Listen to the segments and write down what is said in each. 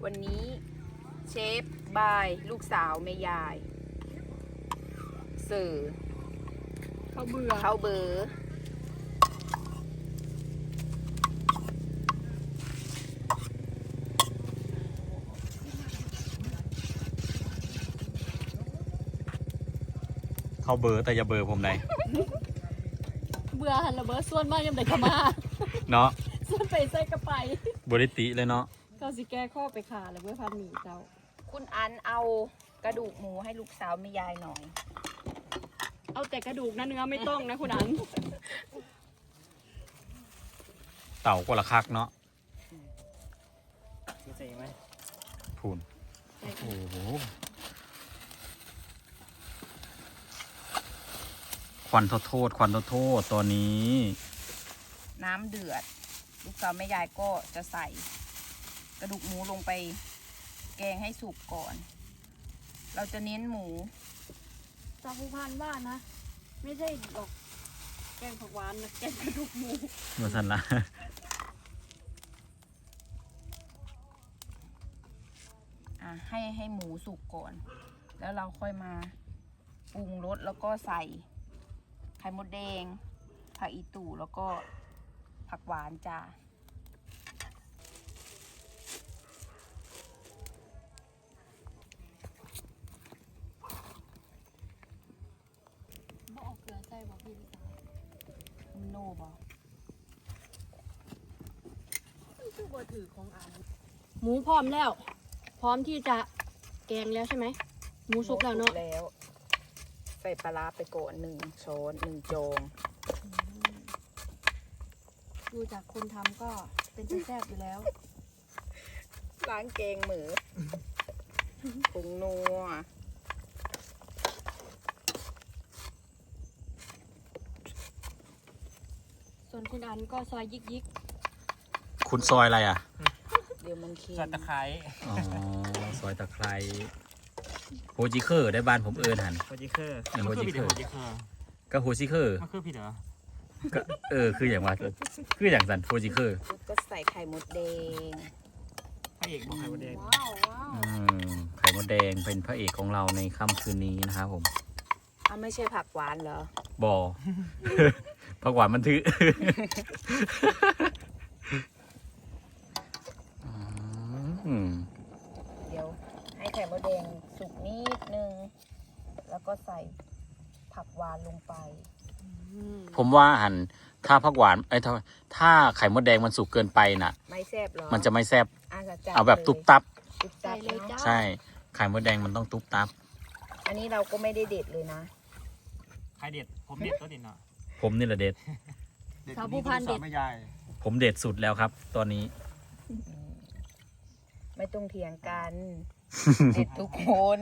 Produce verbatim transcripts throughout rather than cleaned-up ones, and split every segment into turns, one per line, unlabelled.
วันนี้เชฟบายลูกสาวแม่ยายเสิร์ฟข้าวเบื่อข้าวเบอร์
เข้าเบอร์แต่อย่าเบอร์ผมไหน
เบื่อหันระเบิดส่วนมากยังแต่ขมา
เนาะ
ส่วนไปใส่กระไป
บริติเลยเนาะ
เขาสิแก้ข้อไปขาเลยเพื่อพันหมี่เจ้า
คุณอันเอากระดูกหมูให้ลูกสาวแม่ยายหน่อย
เอาแต่กระดูกนะเนื้อไม่ต้องนะคุณอัน
เต่าก็ละคักเนาะ
ใส่ไหม
พูนโอ้โหควันโทษควันโทษตอนนี้
น้ำเดือดลูกสาวแม่ยายก็จะใส่กระดูกหมูลงไปแกงให้สุกก่อนเราจะเน้นหมู
สาวผู้พันว่านะไม่ใช่ดอกแกงผักหวานนะแกงกระดูกหมู
มาสันละ
อ่ะให้ให้หมูสุกก่อนแล้วเราค่อยมาปรุงรสแล้วก็ใส่ไข่มดแดงผักอีตู่แล้วก็ผักหวานจ้า
บ่ออกเกลือใส่บ่พี่ลิซ่า
โน่บ่
ชื่อบ่ถือของอ่านหมูพร้อมแล้วพร้อมที่จะแกงแล้วใช่ไหมหมูสุกแล้วเนาะ
แล้วใส่ปลาไปก่อนหนึ่งช้อนหนึ่งจง
ดูจากคนทำก็เป็นแซ่บอยู่แล้ว
ล้างแกงหมูปรุงนัว
ส่วนคุณอันก็ซอยยิกยิก
คุณซอยอะไรอ่ะ
เดี๋ยวมันเค็ม
ซอยตะไคร้
อ๋อซอยตะไคร้โฮจิเคอร์ได้บ้านผมเอิญหัน
โฮจิเคอร์
โฮจิเคอร์ก็โฮจิเคอร์
มันคือผิดเหรอ
ก็เออคืออย่างว่าคืออย่างสันโฮจิเคอร์
ก็ใส่ไข่มดแดง
พระเอกของไข่มดแดง
ว้าวว้าว
ไข่มดแดงเป็นพระเอกของเราในค่ำคืนนี้นะครับผม
อ้าวไม่ใช่ผักหวานเหรอ
บ่ผักหวานมันถือ
เดี๋ยวให้ไข่มดแดงสุกนิดนึงแล้วก็ใส่ผักหวานลงไป
ผมว่าหันถ้าผักหวานไอ้ถ้าถ้าไข่มดแดงมันสุกเกินไปน่ะ
ไม่แซ่บหรอ
มันจะไม่แซ่บ
เ
อาแบบตุ๊บตับ
ตุ๊บตับเลยจ้า
ใช่ไข่มดแดงมันต้องตุ๊บตับ
อันนี้เราก็ไม่ได้เด็ดเลยนะ
ใครเด็ดผมเด็ดตัวเด็ดเนาะ
ผมนี่แหละเด็ด
สาวผู้พันเด็ด
ไม่ใหญ่
ผมเด็ดสุดแล้วครับตอนนี้
ไม่ต้องเถียงกันเด็ดทุกคน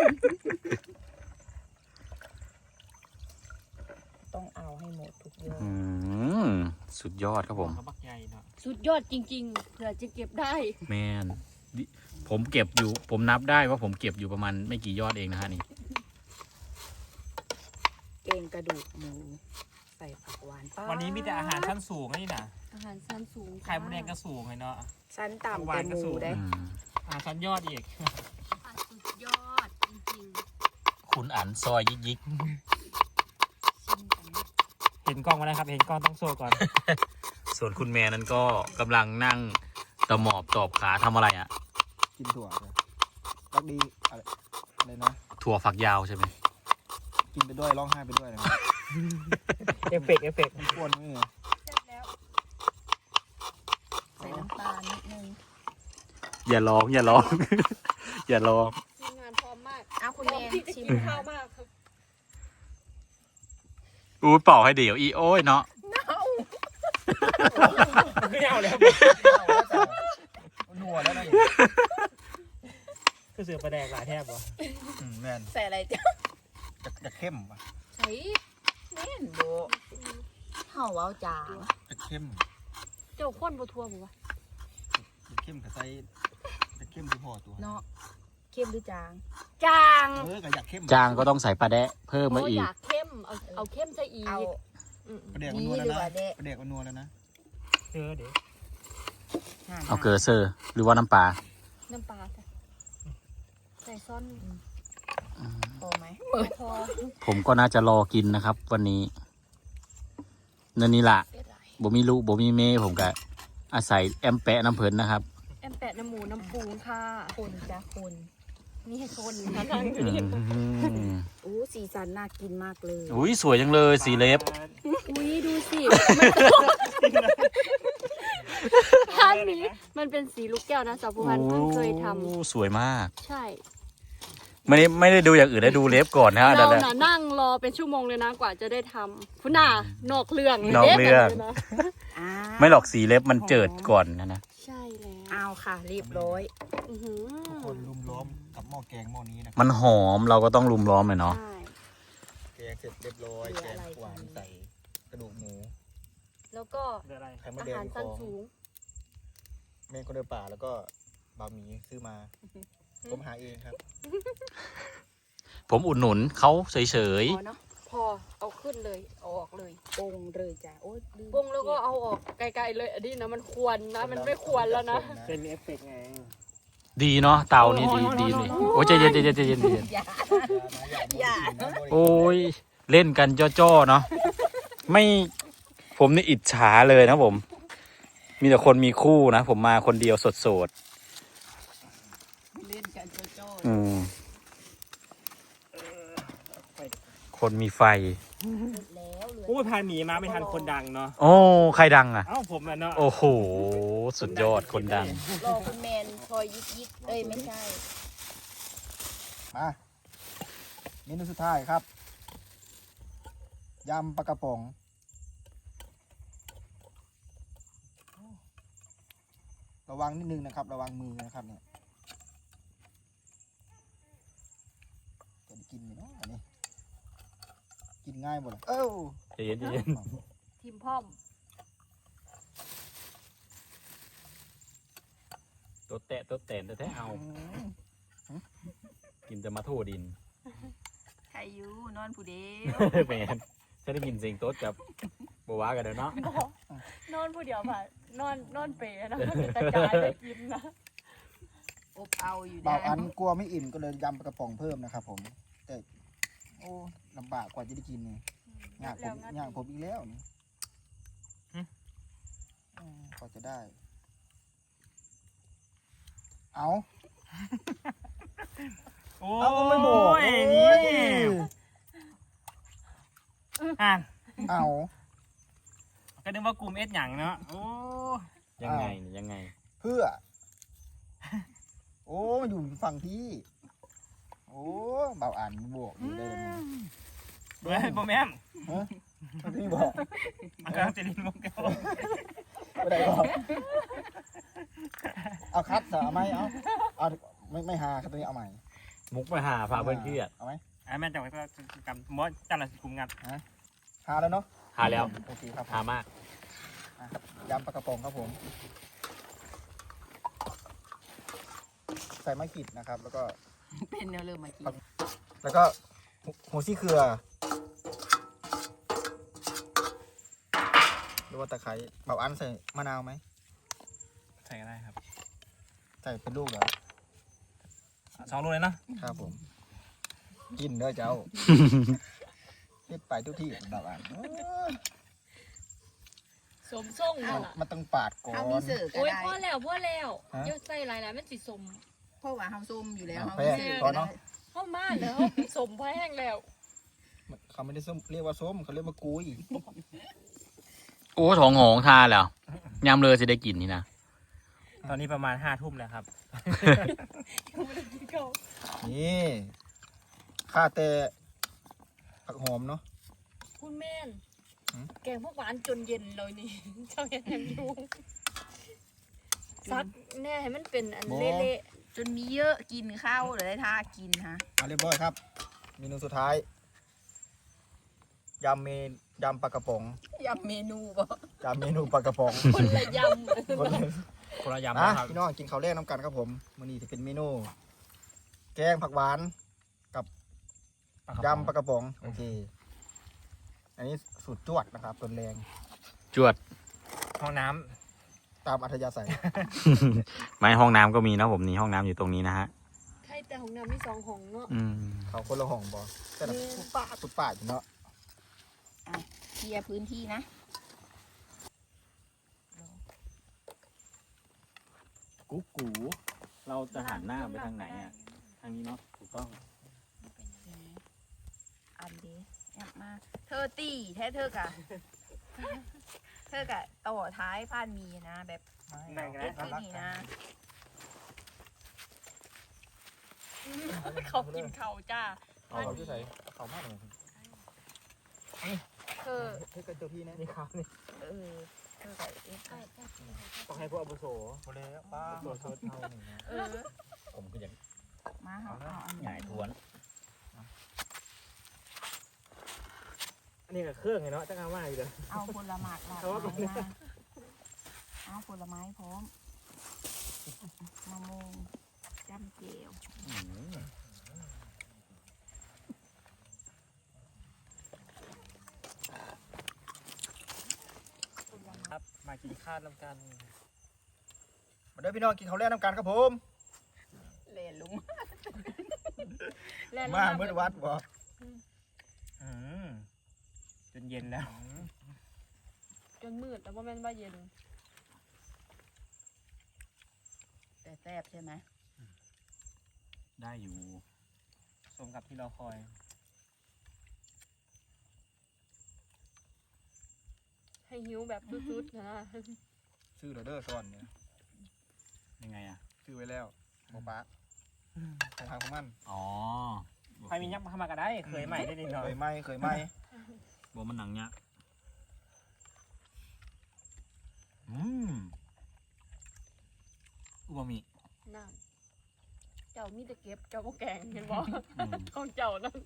ต้องเอาให้หมดทุกยอด
สุดยอดครับผม
สุดยอดจริงๆเผื่อจะเก็บได้
แมนผมเก็บอยู่ผมนับได้ว่าผมเก็บอยู่ประมาณไม่กี่ยอดเองนะฮะนี่
เก่งกระดูกหมูใส่ผักหวาน
วันนี้มีแต่อาหารชั้นสูงนี่นะ
อาหารชั้นสูง
ไข่มดแดงก็สูงเลยเนาะ
ชั้นต่ำแต่หมูได้
อาหารชั้นยอดอีก
สุดยอดจริง
ๆคุณอันซอยยิกยิก
เห็นกล้องมาแล้วครับเห็นกล้องต้องโซ่ก่อน
ส่วนคุณแม่นั้นก็กำลังนั่งตะหมอบตอบขาทำอะไรอ่ะ
กินถั่วเลยรักดีอะไรอะไรนะ
ถั่วฝักยาวใช่ไหม
กินไปด้วยร้องไห้ไปด้วยนะ
เอฟเฟกต์เอฟเฟกต์
มันป้วนนี่ไง
ใส่น้ำตาลนิดนึง
อย่าร้องอย่าร้องอย่าร้อง
ทีมงานพร้อมมาก
อ้าวคุณแม่
ชิมข้าวมากครับ
อู้เป่าให้เดี๋ยวอีโอ้ยเนาะ
ไม่เอาแล้ว
นัวแล้วนะ
คือเสือประแดกหลายแทบวะ
แม่น
ใส่อะไรจ้ะ
จะจะเข้มป่ะ
ใส่แม่นโบเห่าเอาจาง
จะเข้ม
เจ้าข้นบัวทัวบุวะ
จะเข้มกับไส้จะเข้มที่พอตัว
เนาะเข้มหรือจาง
จาง
เออก็อยากเข้ม
จางก็ต้องใส่ปลาแดะเพิ่มมาอีก
อยากเข้มเอาเอาเข้มใส่อีกเอา
ประเดี๋ยวมันนัวแล้วนะประเดี๋ยวมันนัวแล้วนะ
เออเดี๋ยว
เอาเกลือเซอร์หรือว่าน้ำปลา
น้ำปลาจ้ะใส่ซ่อน
พอไหม
พอ
ผมก็น่าจะรอกินนะครับ วันนี้นั่นนี่ละ
เสียดาย
บ่มีลูกบ่มีเมผมก็อาศัยแอมแปะน้ำเพิ่นนะครับ
แอมแปะน้ำหมูน้ำปูค่ะ
คนจ้าคน
นี่ให้คนนะนั่งอยู่
อื
นี่
ม
อู้สีสันน่ากินมากเลย
อุ้ยสวยจังเลยสีเล็บ
อุ้ยดูสิท่านนี้มันเป็นสีลูกแก้วนะสาวผู้พันเพิ่งเคยท
โอ้สวยมาก
ำใช่
ไม่ได้ไม่ได้ดูอย่างอื่นได้ดูเล็บก่อนนะ
เรา
นั่นแหละ
น่ะนั่งรอเป็นชั่วโมงเลยนะกว่าจะได้ทำคุณน่ะนอกเรื่องลย
นอกเรื่อง
ด็กะนะ
อ่า
ไม่หรอกสีเล็บมันเจิดก่อนนะนะ
ใช่แล้ว
เอาค่ะเรียบร้อย
อื้อหือ
ทุกคนลุมล้อมกับหม้อแกงหม้อนี้นะครั
มันหอมเราก็ต้องลุมล้อมเลยเนาะ
ใช่
แกงเสร็จเรียบร้อย
เหลื
แก
อง อะไร
หวานใส่กระดูกหมู
แล้วก็
เดี๋ยวอะไร
ไข่มด
อา
แด
หารง
ข
สั้น
อง
สูง
เมนคนเดินป่าแล้วก็บะหมี่ซื้อมา ผมหาเองครับ
ผมอุดหนุนเขาเฉย
พอเนาะ
พอเอาขึ้นเลยเอาออกเลย
ปงเลยจ้ะโอ้ยลืม
ปรุงแล้วก็เอาออกไกลๆเลยอันนี้นะมันควรนะมันไม่ควรแล้วนะ
เป็นเอฟเฟกต์ไง
ๆ ดีเนาะเตานี่ดีดีเลยโอ้ยใจเย็นใจเย็นใจเย็นใจเย็น
อย่า
อย่า
โอ้ยเล่นกันจ้อๆเนาะไม่ผมนี่อิจฉาเลยนะผม มีแต่คนมีคู่นะ ผมมาคนเดียวโสด
เล่นกันโจ้
ๆอืมคนมีไฟ
ๆแล้วเหลือ
โอ้ยพาหมีมาไม่ทันคนดังเนาะ
โอ้ใครดังอ่ะ
เอ้าผมอ่ะเนาะ
โอ้โห สุดยอดคนดัง
รอคุณแมนคอยยิกยิกเอ้ยไม่ใช่
มาเมนูสุดท้ายครับยำปลากระป๋องระวังนิดนึงนะครับ ระวังมือนะครับเนี่ยจะได้กินไหมเนาะอันนี้กินง่ายหมดเลยเอ้า
ใจเย็นใจเย็น
ทีมพ่อม
ตัวแตะตัวแตนแต่แท้เอา กินจะมาโทษดิน
ใครอยู่นอนผู้เดียว
แมนฉันได้กินเสียงโต๊ดกับบัวากันเด้อเนาะ
นอนผู้เดียวผ่านนอนนอนเปรนะมันจะกระจายไปกินนะ
อบเอาอยู่
เบา
ได้
อันกลัวไม่อิ่มก็เลยยำปลากระป๋องเพิ่มนะครับผม แต่โอ้ลำบากกว่าจะได้กินนี่ยากผมยากผมอีกแล้วนี่อืมกว่าจะได้ เอา
โอ้
เอาก็ไม่บอก
ย
โอ้ย
อ่ะ
เอา
ก็นึกว่ากลุ่มเอสหยังเนาะโอ้
ยังไงนี่ยังไง
เพื่อ โอ้มันอยู่ฝั่งที่ โอ้เบาอ่านบวกอยู่ได้เลย
เฮ้ยโบแมม
ฮะพี่บอก
มันกำลังจะลินมุกเดียว
ไม่ได้บอกเอาคัดสเอาไหมเอาเอาไม่ไม่หาครับตัวนี้เอาใหม่
มุกมาหาพาเพื่อนเครียด
เอาไหม
ไอ้แม่จังหวะก็กำมอสจังหวะกลุ่มงัด
หาแล้วเนาะ
หาแล้ว
โอเคครับผม
หามาก
อ่ะยำปลากระป๋องครับผม ใส่มะกริดนะครับ แล้วก็
เป็นแนวเริ่มมากิน
แล้วก็หัวหัวซี่เครือหรือว่าตะไคร้เบาอันใส่มะนาวไหม
ใส่ก็ได้ครับ
ใส่เป็นลูกเหรอ
สองลูกเลยเนาะ
ครับผม กินเด้อเจ้า เฮ็ดไปทุกที่เบาอันเอ้ย
สมส่งนั่นล่ะ
มันต้องปาดก่อ
เขามี
น
เสิร์ฟก็
โอ้ย
ได้
พ่อแล้วพ่อแล้ว
ฮะ
เดี๋ยวใส่หลายๆมันสิสม
เพราะว่าเฮาส้มอยู่แล้ว
อ่ะ
เฮา
แพ้
มีเสิร์ฟ
พอ
ก็ได้
เนาะ
เข้ามาแล้วสมพอแห้งแล้ว
เขาไม่ได้ส้มเรียกว่าส้มเขาเรียกว่ากุย
โอ้ท้องหงทานแล้วยำเลยจะได้กินนี่นะ
ตอนนี้ประมาณห้าทุ่มแล้วครับ
ยังไม่ได้กินข้าว
นี่ข้าแต่ผักหอมเนาะ
คุณแม่น
หืม
แกงพวกหวานจนเย็นเลยนี่ เจ้าเห็นยังอยู่ซักแน่ให้มันเป็นอันเละ
จนมีเยอะกินข้าวหรือได้ท่ากินฮะ
มาเรียบร้อยครับ เมนูสุดท้ายยำเมนยำปลากระป๋อง
ยำเมนูบ่
ยำเมนูปลากระป๋อง
ๆคนละย
คนเลย
คนละยำ
นะ
นะครับ
พี่น้องกินข้าวแรกน้ำกันครับผมมื้อนี้จะเป็นเมนู แกงผักหวานกับยำปลากระป๋องโอเค อันนี้สูตรจวดนะครับตัวแรง
จวด
ห้องน้
ตตามอัธยาศัย
ไม่ห้องน้ำก็มีนะผมนี่ห้องน้ำอยู่ตรงนี้นะฮะ
ใช่แต่ของน้ำมีสองห้องเนาะ
อืม
เขาคนละห้องบ่แต่ละสุดป้าสุดป้าอยู่เนาะ
เคลียร์พื้นที่นะ
กุ๊กกูเราจะหันหน้าไปทางไหนอ่ะทางนี้เนาะถูกต้อง
อันดีแอบมา เธอตีแท้เธอกะ เธอกะต่อท้ายผ่านมีนะ แบบ
นั่งกัน
เอ็ก
นะ
ซ์นี่นะ เขากินเขาจ้า
เอาเขาที่ใส่เขามากเลย
เธอ
เฮ้ยกันเจอพี่นะ
นี่ครับนี่
เออ เธอกะเอ็กซ์
ต้องให้พวกอาบุโส
โอเลยป้า
โดดโดดเท่าหนึ่งนะ
เออ
ผมก็ยัง
มาเอาเอาอัน
ใหญ่ทวน
อันนี้กับเครื่องไงเนาะจะงาว่าอยู่เลย
เอาผลไม้หลาก
เอา
ห
ว่า
ลายมาเอาผลไม้พร้อมมะม่วงจำเจว
อืม
ครับมากินข้าวน้ำกัน
มาเด้อพี่น้องกินข้าวแรกน้ำกันครับผม
เล่นลุง
มาเมื่อวัดบ่
อืมจนเย็นแล้ว
จนมืดแต่ว่าแม่นว่าเย็น
แต่แซ่บใช่ไหม
ได้อยู่
สมกับที่เราคอย
ให้หิวแบบสุดๆนะ
ชื่อเด้อซ้อนเนี่ย
ยังไงอ่ะ
ชื่อไว้แล้วหมอป้าของทางของมัน
อ๋อ
ใครมียักษ์มาเข้ามาก็ได้ เคยใหม่ได้นิดหน่อ
เค
ย
ยไหมเคยไหม
บัวมันหนังเนี้ยอืมอูบะหมี่
น้ำเจ้ามีแต่เก็บเจ้าก็แกงเห็นบ่
อืม
ของเจ้านั่น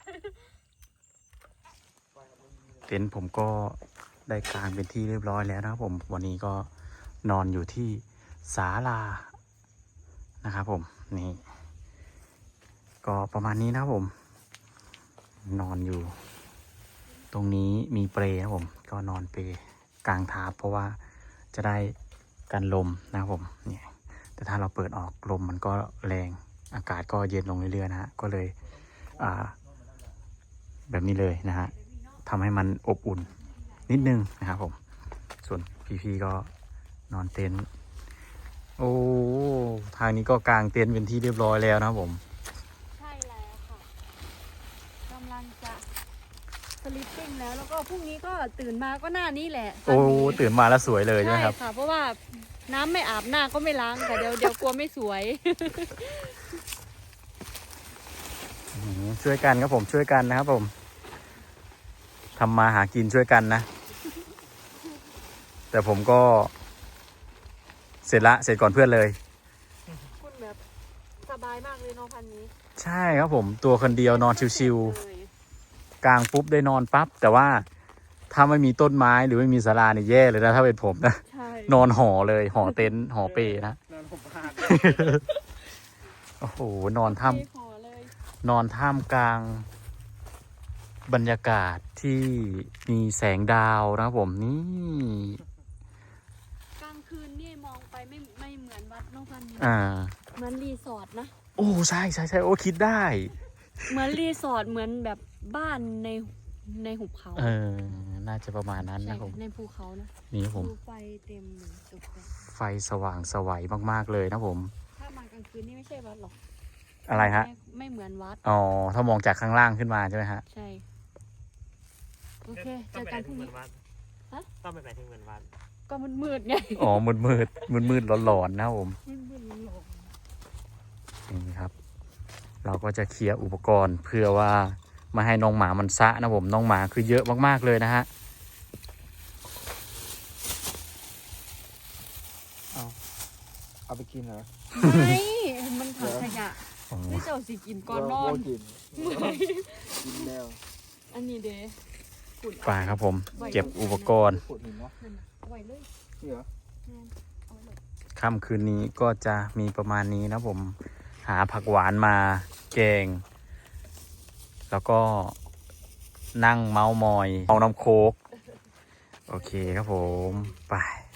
เต็นท์ผมก็ได้กางเป็นที่เรียบร้อยแล้วนะครับผมวันนี้ก็นอนอยู่ที่ศาลานะครับผมนี่ ก็ประมาณนี้นะครับผม นอนอยู่ ตรงนี้มีเปลนะครับผมก็นอนเปลกลางทาบเพราะว่าจะได้กันลมนะครับผมเนี่ยแต่ถ้าเราเปิดออกลมมันก็แรงอากาศก็เย็นลงเรื่อยๆนะฮะก็เลยอ่าแบบนี้เลยนะฮะทำให้มันอบอุ่นนิดนึงนะครับผมส่วนพี่ๆก็นอนเต็นท์โอ้ทางนี้ก็กางเต็นท์เป็นที่เรียบร้อยแล้วนะครับผม
ใช่แล้วค่ะกำลังจะสลิปปิ้งแล้วแล้วก็พรุ่งนี้ก็ตื่นมาก็หน้านี้แหละ
โอ้ตื่นมาแล้วสวยเลยใช่ไหมครับ
ค่ะ เพราะว่าน้ำไม่อาบหน้าก็ไม่ล้างค่ะเดี๋ยวเดี๋ยวกลัวไม่สวย
อืมช่วยกันครับผมช่วยกันนะครับผมทำมาหากินช่วยกันนะ แต่ผมก็ เสร็จละเสร็จก่อนเพื่อนเลย
คุณแบบสบายมากเลยเน้องพันนี้
ใช่ครับผมตัวคนเดียวนอนชิว
เลย
ๆกลางปุ๊บได้นอนปั๊บแต่ว่าถ้าไม่มีต้นไม้หรือไม่มีศาลาเนี่ยแย่เลยนะถ้าเป็นผมนะ
ใช่
นอนห่อเลยห่อเต็นท์ห่อเปนะ
นอนผมพลาด
โอ้โหนอนท่าม
มีขอเลย
นอนท่ามกลางบรรยากาศที่มีแสงดาวนะครับผมนี่
กลางคืนนี่มองไปไม่ไม่เหมือนวัดเน้องพันนี้
อ่า
เหมือนรีสอร์ทนะ
โอ้ใช่ใช่ใช่โอ้คิดได้
เหมือนรีสอร์ทเหมือนแบบบ้านในในหุบเขา
เออ น่าจะประมาณนั้น
ใช่
นะผม
ในภูเขานะ
นี่ครับผม
ดูไฟเต็มเลยตกแต่ง
ไฟสว่างสวัยมากๆเลยนะผม
ถ้ามากลางคืนนี่ไม่ใช่วัดหรอก
อะไรฮะ
ไม่ไม่เหมือนวัด
อ๋อ ถ้ามองจากข้างล่างขึ้นมาใช่ไหมฮะ
ใช่ โอเค เจอกันพรุ่งนี้ ฮะ
ต้องไปไหนถึงเหมือนวัด
ก็มันมืดไง
อ๋อ มืดมืดมืดมืดๆหลอนๆนะครับผม
มืดมืดหลง
นี่ครับ เราก็จะเคลียร์อุปกรณ์เพื่อว่าไม่ให้น้องหมามันซะนะผม น้องหมาคือเยอะมากๆเลยนะฮะ
เอาไปกินเหรอ
ไม่มันถังขยะ
อ๋อ
ไม่เจ้าสิกินก่อนนอน
โกินกินแล้ว
อันนี้เด้ขุด
ไปครับผม เก็บอุปกรณ์
ปวดหินเนาะ
นั่นน่ะเอาไว้เลย
นี่เหรอ
นั่นเอาไว้เลย
ค่ำคืนนี้ก็จะมีประมาณนี้นะผม หาผักหวานมาแกง แล้วก็นั่งเมาส์มอยเอาน้ำโค้ก โอเคครับผม ไป